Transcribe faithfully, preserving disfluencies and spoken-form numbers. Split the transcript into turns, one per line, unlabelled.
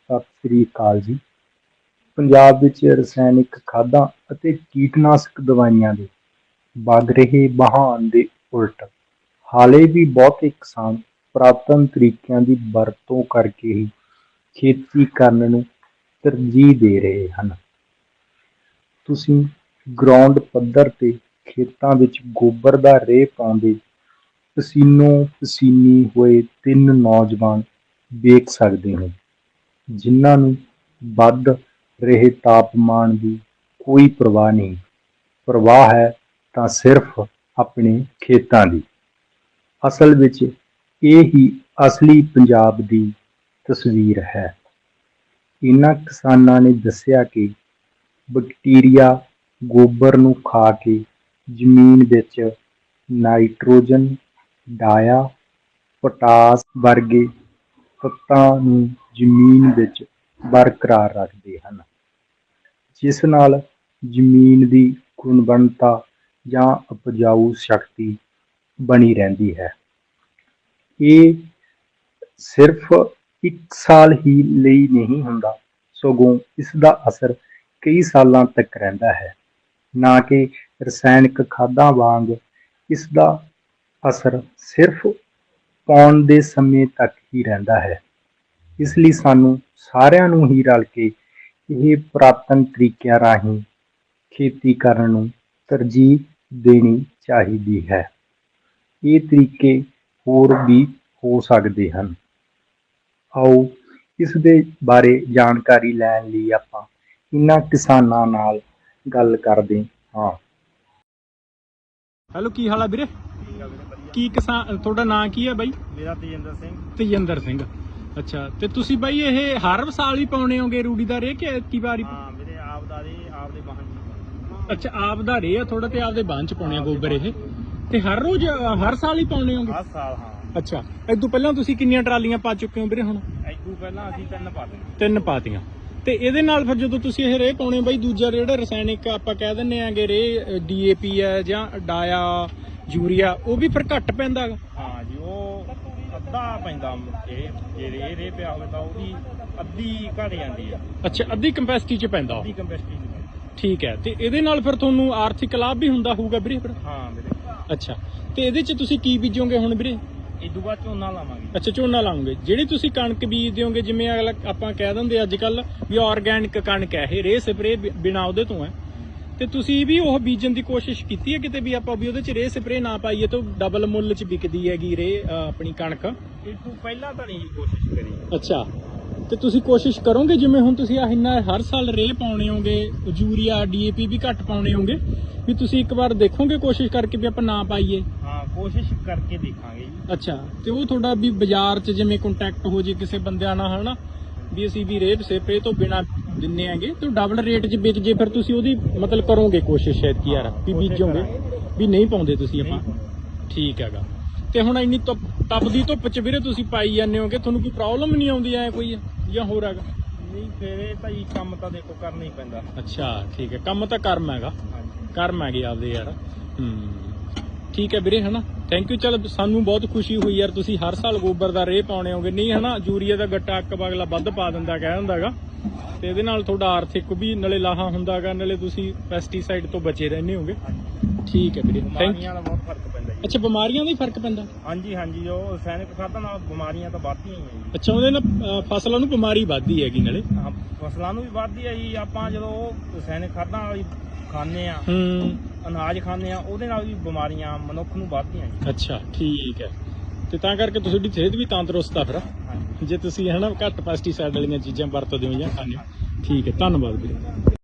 ਸਤਿ ਸ੍ਰੀ ਅਕਾਲ ਜੀ। ਪੰਜਾਬ ਵਿੱਚ ਰਸਾਇਣਿਕ ਖਾਦਾਂ ਅਤੇ ਕੀਟਨਾਸ਼ਕ ਦਵਾਈਆਂ ਦੇ ਵਗ ਰਹੇ ਵਹਾਅ ਦੇ ਉਲਟ ਹਾਲੇ ਵੀ ਬਹੁਤੇ ਕਿਸਾਨ ਪੁਰਾਤਨ ਤਰੀਕਿਆਂ ਦੀ ਵਰਤੋਂ ਕਰਕੇ ਹੀ ਖੇਤੀ ਕਰਨ ਨੂੰ ਤਰਜੀਹ ਦੇ ਰਹੇ ਹਨ। ਤੁਸੀਂ ਗਰਾਊਂਡ ਪੱਧਰ ਤੇ ਖੇਤਾਂ ਵਿੱਚ ਗੋਬਰ ਦਾ ਰੇਹ ਪਾਉਂਦੇ ਪਸੀਨੋ ਪਸੀਨੀ ਹੋਏ ਤਿੰਨ ਨੌਜਵਾਨ ਵੇਖ ਸਕਦੇ ਹੋ, ਜਿਨ੍ਹਾਂ ਨੂੰ ਵੱਧ ਰਹੇ ਤਾਪਮਾਨ ਦੀ ਕੋਈ ਪਰਵਾਹ ਨਹੀਂ। ਪਰਵਾਹ ਹੈ ਤਾਂ ਸਿਰਫ ਆਪਣੇ ਖੇਤਾਂ ਦੀ। ਅਸਲ ਵਿੱਚ ਇਹ ਹੀ ਅਸਲੀ ਪੰਜਾਬ ਦੀ ਤਸਵੀਰ ਹੈ। ਇਹਨਾਂ ਕਿਸਾਨਾਂ ਨੇ ਦੱਸਿਆ ਕਿ ਬੈਕਟੀਰੀਆ ਗੋਬਰ ਨੂੰ ਖਾ ਕੇ ਜ਼ਮੀਨ ਵਿੱਚ ਨਾਈਟ੍ਰੋਜਨ, ਡਾਇਆ, ਪੋਟਾਸ ਵਰਗੇ ਤੱਤਾਂ ਨੂੰ ਜ਼ਮੀਨ ਵਿੱਚ ਬਰਕਰਾਰ ਰੱਖਦੇ ਹਨ, ਜਿਸ ਨਾਲ ਜ਼ਮੀਨ ਦੀ ਗੁਣਵੱਤਾ ਜਾਂ ਉਪਜਾਊ ਸ਼ਕਤੀ ਬਣੀ ਰਹਿੰਦੀ ਹੈ। ਇਹ ਸਿਰਫ ਇੱਕ ਸਾਲ ਹੀ ਲਈ ਨਹੀਂ ਹੁੰਦਾ, ਸਗੋਂ ਇਸ ਦਾ ਅਸਰ ਕਈ ਸਾਲਾਂ ਤੱਕ ਰਹਿੰਦਾ ਹੈ। ਨਾ ਕਿ ਰਸਾਇਣਿਕ ਖਾਦਾਂ ਵਾਂਗ ਇਸ ਦਾ ਅਸਰ ਸਿਰਫ ਪਾਉਣ ਦੇ ਸਮੇਂ ਤੱਕ ਹੀ ਰਹਿੰਦਾ ਹੈ। ਇਸ ਲਈ ਸਾਨੂੰ ਸਾਰਿਆਂ ਨੂੰ ਹੀ ਰਲ ਕੇ ਇਹ ਪੁਰਾਤਨ ਤਰੀਕਿਆਂ ਰਾਹੀਂ ਖੇਤੀ ਕਰਨ ਨੂੰ ਤਰਜੀਹ ਦੇਣੀ ਚਾਹੀਦੀ ਹੈ। ਇਹ ਤਰੀਕੇ ਹੋਰ ਵੀ ਹੋ ਸਕਦੇ ਹਨ। ਆਓ ਇਸ ਦੇ ਬਾਰੇ ਜਾਣਕਾਰੀ ਲੈਣ ਲਈ ਆਪਾਂ ਇਹਨਾਂ ਕਿਸਾਨਾਂ ਨਾਲ ਗੱਲ ਕਰਦੇ ਹਾਂ।
ਹੈਲੋ, ਕੀ ਹਾਲ ਆ ਵੀਰੇ? ਕੀ ਕਿਸਾਨ, ਤੁਹਾਡਾ ਨਾਂ ਕੀ ਹੈ ਬਾਈ?
ਮੇਰਾ ਤੇਜਿੰਦਰ ਸਿੰਘ।
ਤੇਜਿੰਦਰ ਸਿੰਘ, ਅੱਛਾ। ਤੇ ਤੁਸੀਂ ਬਾਈ ਇਹ ਹਰ ਸਾਲ ਹੀ ਪਾਉਣੇ ਹੋਗੇ ਰੂੜੀ ਦਾ ਰੇਹ ਕਿ ਐਤਕੀ ਵਾਰੀ?
ਹਾਂ ਵੀਰੇ, ਆਪ ਦਾ ਰੇਹ ਆਪ ਦੇ ਵਾਹਨ ਚ।
ਅੱਛਾ, ਆਪ ਦਾ ਰੇਹ ਆ ਥੋੜਾ ਤੇ ਆਪਦੇ ਵਾਹਨ ਚ ਪਾਉਣੇ ਆ ਗੋਬਰ ਇਹ, ਤੇ ਹਰ ਰੋਜ਼ ਹਰ ਸਾਲ ਹੀ ਪਾਉਣੇ ਹੋਗੇ?
ਹਰ ਸਾਲ, ਹਾਂ।
ਅੱਛਾ, ਇਸ ਤੋਂ ਪਹਿਲਾਂ ਤੁਸੀਂ ਕਿੰਨੀਆਂ ਟਰਾਲੀਆਂ ਪਾ ਚੁੱਕੇ ਹੋ ਵੀਰੇ ਹੁਣ?
ਇਸ ਤੋਂ ਪਹਿਲਾਂ ਅਸੀਂ ਤਿੰਨ ਪਾਤੀਆਂ।
ਤਿੰਨ ਪਾਤੀਆਂ। ਤੇ ਇਹਦੇ ਨਾਲ ਫਿਰ ਜਦੋਂ ਤੁਸੀਂ ਇਹ ਰੇਹ ਪਾਉਣੇ ਬਾਈ, ਦੂਜਾ ਜਿਹੜਾ ਰਸਾਇਣਿਕ ਆਪਾਂ ਕਹਿ ਦਿੰਦੇ ਆਂਗੇ ਰੇਹ ਡੀ ਏ ਪੀ ਹੈ ਜਾਂ ਡਾਇਆ, ਯੂਰੀਆ, ਉਹ ਵੀ ਫਿਰ ਘੱਟ ਪੈਂਦਾ ਗਾ?
ਹਾਂ ਜੀ, ਉਹ ਅੱਧਾ ਪੈਂਦਾ। ਇਹ ਜੇ ਰੇਹ ਰੇਹ ਪਿਆ ਹੋਵੇ ਤਾਂ ਉਹਦੀ ਅੱਧੀ ਘਟ ਜਾਂਦੀ ਹੈ।
ਅੱਛਾ, ਅੱਧੀ ਕੰਪੈਸਿਟੀ ਚ ਪੈਂਦਾ?
ਅੱਧੀ ਕੰਪੈਸਿਟੀ ਚ ਪੈਂਦਾ।
ਠੀਕ ਹੈ। ਤੇ ਇਹਦੇ ਨਾਲ ਫਿਰ ਤੁਹਾਨੂੰ ਆਰਥਿਕ ਲਾਭ ਵੀ ਹੁੰਦਾ ਹੋਊਗਾ ਵੀਰੇ ਫਿਰ?
ਹਾਂ ਵੀਰੇ।
ਅੱਛਾ, ਤੇ ਇਹਦੇ ਚ ਤੁਸੀਂ ਕੀ ਬੀਜੋਗੇ ਹੁਣ ਵੀਰੇ?
ਇਹ ਤੋਂ ਬਾਅਦ ਝੋਨਾ ਲਾਵਾਂਗੇ।
ਅੱਛਾ, ਝੋਨਾ ਲਾਉਂਗੇ। ਜਿਹੜੀ ਤੁਸੀਂ ਕਣਕ ਬੀਜ ਦਿਓਗੇ, ਜਿਵੇਂ ਅਗਲਾ ਆਪਾਂ ਕਹਿ ਦਿੰਦੇ ਅੱਜ ਕੱਲ ਵੀ ਆਰਗੈਨਿਕ ਕਣਕ ਹੈ ਇਹ, ਰੇਹ ਸਪਰੇ ਬਿਨਾ ਉਹਦੇ ਤੋਂ ਹੈ, ਤੇ ਤੁਸੀਂ ਵੀ ਉਹ ਬੀਜਣ ਦੀ ਕੋਸ਼ਿਸ਼ ਕੀਤੀ ਹੈ ਕਿਤੇ ਵੀ ਆਪਾਂ ਵੀ ਉਹਦੇ ਚ ਰੇਹ ਸਪਰੇ ਨਾ ਪਾਈਏ ਤਾਂ ਡਬਲ ਮੁੱਲ ਚ ਵਿਕਦੀ ਹੈਗੀ ਰੇਹ ਆਪਣੀ ਕਣਕ?
ਇਹ ਤੋਂ ਪਹਿਲਾਂ ਤਾਂ ਨਹੀਂ ਕੋਸ਼ਿਸ਼ ਕਰੀ।
ਅੱਛਾ, ਤੇ ਤੁਸੀਂ ਕੋਸ਼ਿਸ਼ ਕਰੋਗੇ ਜਿਵੇਂ ਹੁਣ ਤੁਸੀਂ ਆ ਇੰਨਾ ਹਰ ਸਾਲ ਰੇਹ ਪਾਉਣੇ ਹੋਗੇ, ਯੂਰੀਆ ਡੀ ਏ ਪੀ ਵੀ ਘੱਟ ਪਾਉਣੇ ਹੋਗੇ, ਵੀ ਤੁਸੀਂ ਇੱਕ ਵਾਰ ਦੇਖੋਗੇ ਕੋਸ਼ਿਸ਼ ਕਰਕੇ ਵੀ ਆਪਾਂ ਨਾ ਪਾਈਏ?
ਹਾਂ, ਕੋਸ਼ਿਸ਼ ਕਰਕੇ ਦੇਖਾਂਗੇ ਜੀ।
ਅੱਛਾ, ਤੇ ਉਹ ਤੁਹਾਡਾ ਵੀ ਬਾਜ਼ਾਰ 'ਚ ਜਿਵੇਂ ਕੰਟੈਕਟ ਹੋ ਜੇ ਕਿਸੇ ਬੰਦਿਆਂ ਨਾਲ, ਹਨਾ ਵੀ ਅਸੀਂ ਵੀ ਰੇਹ ਸਪਰੇ ਤੋਂ ਬਿਨਾ ਦਿੰਨੇ ਆਂਗੇ ਤੇ ਡਬਲ ਰੇਟ 'ਚ ਵਿਕ ਜੇ, ਫਿਰ ਤੁਸੀਂ ਉਹਦੀ ਮਤਲਬ ਕਰੋਗੇ ਕੋਸ਼ਿਸ਼ ਸ਼ਾਇਦ ਕਿ ਯਾਰ ਵੀ ਬੀਜੋਗੇ ਵੀ ਨਹੀਂ ਪਾਉਂਦੇ ਤੁਸੀਂ ਆਪਾਂ? ਠੀਕ ਹੈਗਾ। ਤੇ ਹੁਣ ਇੰਨੀ ਧੁੱਪ ਤਪਦੀ ਧੁੱਪ 'ਚ ਵੀਰੇ ਤੁਸੀਂ ਪਾਈ ਜਾਂਦੇ ਹੋਗੇ, ਤੁਹਾਨੂੰ ਕੋਈ ਪ੍ਰੋਬਲਮ ਨਹੀਂ ਆਉਂਦੀ ਐ ਕੋਈ ਜਾਂ ਹੋਰ ਹੈਗਾ?
ਨਹੀਂ, ਫਿਰ ਇਹ ਤਾਂ ਜੀ ਕੰਮ ਤਾਂ ਦੇਖੋ ਕਰਨਾ ਹੀ ਪੈਂਦਾ।
ਅੱਛਾ, ਠੀਕ ਹੈ। ਕੰਮ ਤਾਂ ਕਰਮ ਹੈਗਾ, ਕਰਮ ਹੈਗੇ ਆਪਦੇ ਯਾਰ। ਹੂੰ, ਠੀਕ ਹੈ ਵੀਰੇ, ਹਨਾ। Thank you. ਚਲ ਸਾਨੂੰ ਬਹੁਤ ਖੁਸ਼ੀ ਹੋਈ ਯਾਰ, ਤੁਸੀਂ ਹਰ ਸਾਲ ਗੋਬਰ ਦਾ ਰੇਹ ਪਾਉਣੇ ਹੋਗੇ। ਨਹੀਂ ਹਨਾ, ਯੂਰੀਆ ਦਾ ਗੱਟਾ ਅੱਕ ਅਗਲਾ ਵੱਧ ਪਾ ਦਿੰਦਾ ਕਹਿ ਦਿੰਦਾ ਗਾ, ਤੇ ਇਹਦੇ ਨਾਲ ਤੁਹਾਡਾ ਆਰਥਿਕ ਵੀ ਨਾਲੇ ਲਾਹਾ ਹੁੰਦਾ ਗਾ, ਨਾਲੇ ਤੁਸੀਂ ਪੈਸਟੀਸਾਈਡ ਤੋਂ ਬਚੇ ਰਹਿੰਦੇ ਹੋਗੇ। ਠੀਕ ਹੈ ਵੀਰੇ, ਥੈਂਕ ਯੂ।
ਦਾ ਬਹੁਤ ਫਰਕ ਪੈਂਦਾ ਜੀ।
ਅੱਛਾ, ਬਿਮਾਰੀਆਂ ਦਾ ਹੀ ਫਰਕ ਪੈਂਦਾ?
ਹਾਂਜੀ ਹਾਂਜੀ, ਉਹ ਰਸਾਇਣਿਕ ਖਾਦਾਂ ਨਾਲ ਬਿਮਾਰੀਆਂ ਤਾਂ ਵੱਧਦੀਆਂ ਹੀ ਆ ਜੀ।
ਅੱਛਾ, ਉਹਦੇ ਨਾਲ ਅ, ਫਸਲਾਂ ਨੂੰ ਬਿਮਾਰੀ ਵੱਧਦੀ ਹੈਗੀ ਨਾਲੇ?
ਹਾਂ, ਫਸਲਾਂ ਨੂੰ ਵੀ ਵੱਧਦੀ ਹੈ ਜੀ। ਆਪਾਂ ਜਦੋਂ ਉਹ ਰਸਾਇਣਿਕ ਖਾਦਾਂ ਵਾਲੀ ਖਾਂਦੇ ਆ,
ਹੂੰ,
ਅਨਾਜ ਖਾਂਦੇ ਆ, ਉਹਦੇ ਨਾਲ ਵੀ ਬਿਮਾਰੀਆਂ ਮਨੁੱਖ ਨੂੰ ਵੱਧਦੀਆਂ ਜੀ।
ਅੱਛਾ, ਠੀਕ ਹੈ। ਤੇ ਤਾਂ ਕਰਕੇ ਤੁਹਾਡੀ ਸਿਹਤ ਵੀ ਤੰਦਰੁਸਤ ਆ ਫਿਰ,
ਹਾਂਜੀ,
ਜੇ ਤੁਸੀਂ ਹਨਾ ਘੱਟ ਪੈਸਟੀਸਾਈਡ ਵਾਲੀਆਂ ਚੀਜ਼ਾਂ ਵਰਤਦੇ ਹੋ ਜਾਂ ਖਾਂਦੇ ਹੋ। ਠੀਕ ਹੈ, ਧੰਨਵਾਦ ਵੀਰੇ।